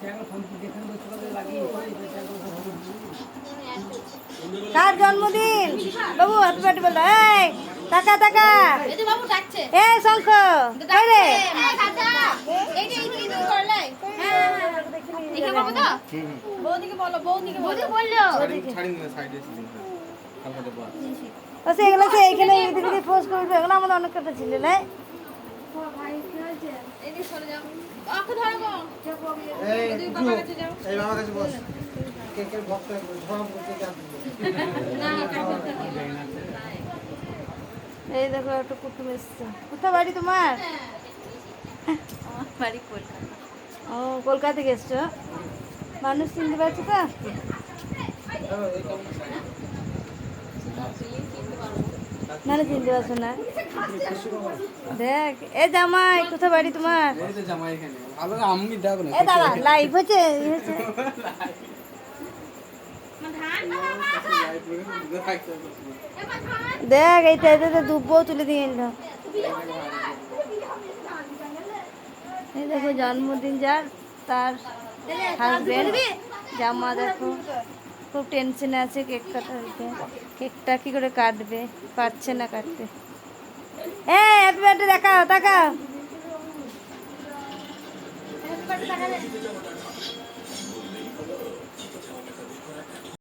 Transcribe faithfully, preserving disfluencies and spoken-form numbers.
কার জন্মদিন বাবু? Happy birthday বলো। এই টাকা টাকা, এই শঙ্খ রে, এগুলো সে এইখানে এদিকে পোস্ট করবে, এগুলো আমাদের অনেক কথা ছিল না। এই দেখো একটা কুটুম এসছে। কোথায় বাড়ি তোমার? বাড়ি কলকাতা। ও কলকাতা থেকে এসছো? মানুষ চিনতে পারছো তো? মানে চিনতে পারছো না? দেখ এ জামাই, কোথায় বাড়ি তোমার? এ দাদা লাইভ হচ্ছে। দেখ এইটা এতে দুব্বও তুলে দিয়ে এলো। এই দেখো জন্মদিন যার, তার হাজবেন্ড জামা। দেখো খুব টেনশনে আছে কেক কাটাতে। কেকটা কি করে কাটবে, পারছে না কাটতে। হ্যাঁ হ্যাপি বার্থডে দেখাও, তাকাও।